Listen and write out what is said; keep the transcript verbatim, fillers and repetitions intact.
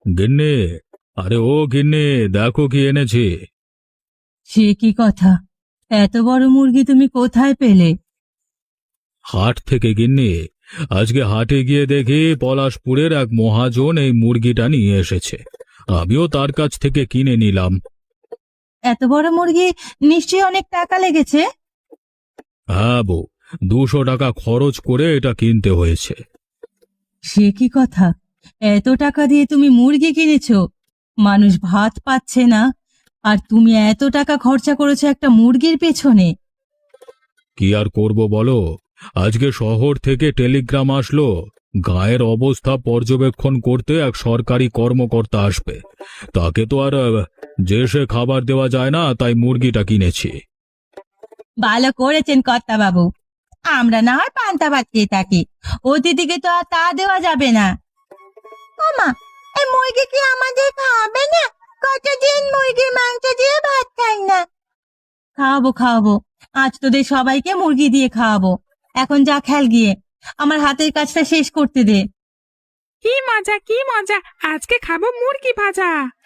গিন্নি, আরে ও গিন্নি, দেখো কি এনেছি। সে কি কথা? এত বড় মুরগি তুমি কোথায় পেলে? হাট থেকে গিন্নি। আজকে হাটে গিয়ে দেখি পলাশপুরের এক মহাজন এই মুরগিটা নিয়ে এসেছে। আমিও তার কাছ থেকে কিনে নিলাম। এত বড় মুরগি, নিশ্চয়ই অনেক টাকা লেগেছে। হ্যাঁ বউ, দুশো টাকা খরচ করে এটা কিনতে হয়েছে। সে কি কথা? এত টাকা দিয়ে তুমি মুরগি কিনেছো? মানুষ ভাত পাচ্ছে না, আর তুমি এত টাকা খরচা করেছো একটা মুরগির পেছনে? কি আর করব বলো, আজকে শহর থেকে টেলিগ্রাম আসলো, গায়ের অবস্থা পর্যবেক্ষণ করতে এক সরকারি কর্মকর্তা আসবে। তাকে তো আর আহ, যে সে খাবার দেওয়া যায় না, তাই মুরগিটা কিনেছি। ভালো করেছেন কর্তা বাবু। আমরা না হয় পান্তা ভাত খেয়ে থাকি, অতিথিকে তো আর তা দেওয়া যাবে না। মামা, এই মুরগি কি আমাদের খাওয়াবে না? কতদিন মুরগির মাংস দিয়ে ভাত খাই না। খাওয়াবো খাওয়াবো, আজ তোদের সবাইকে মুরগি দিয়ে খাওয়াবো। এখন যা খেল গিয়ে, আমার হাতের কাজটা শেষ করতে দে। কি মজা কি মজা, আজকে খাবো মুরগি ভাজা।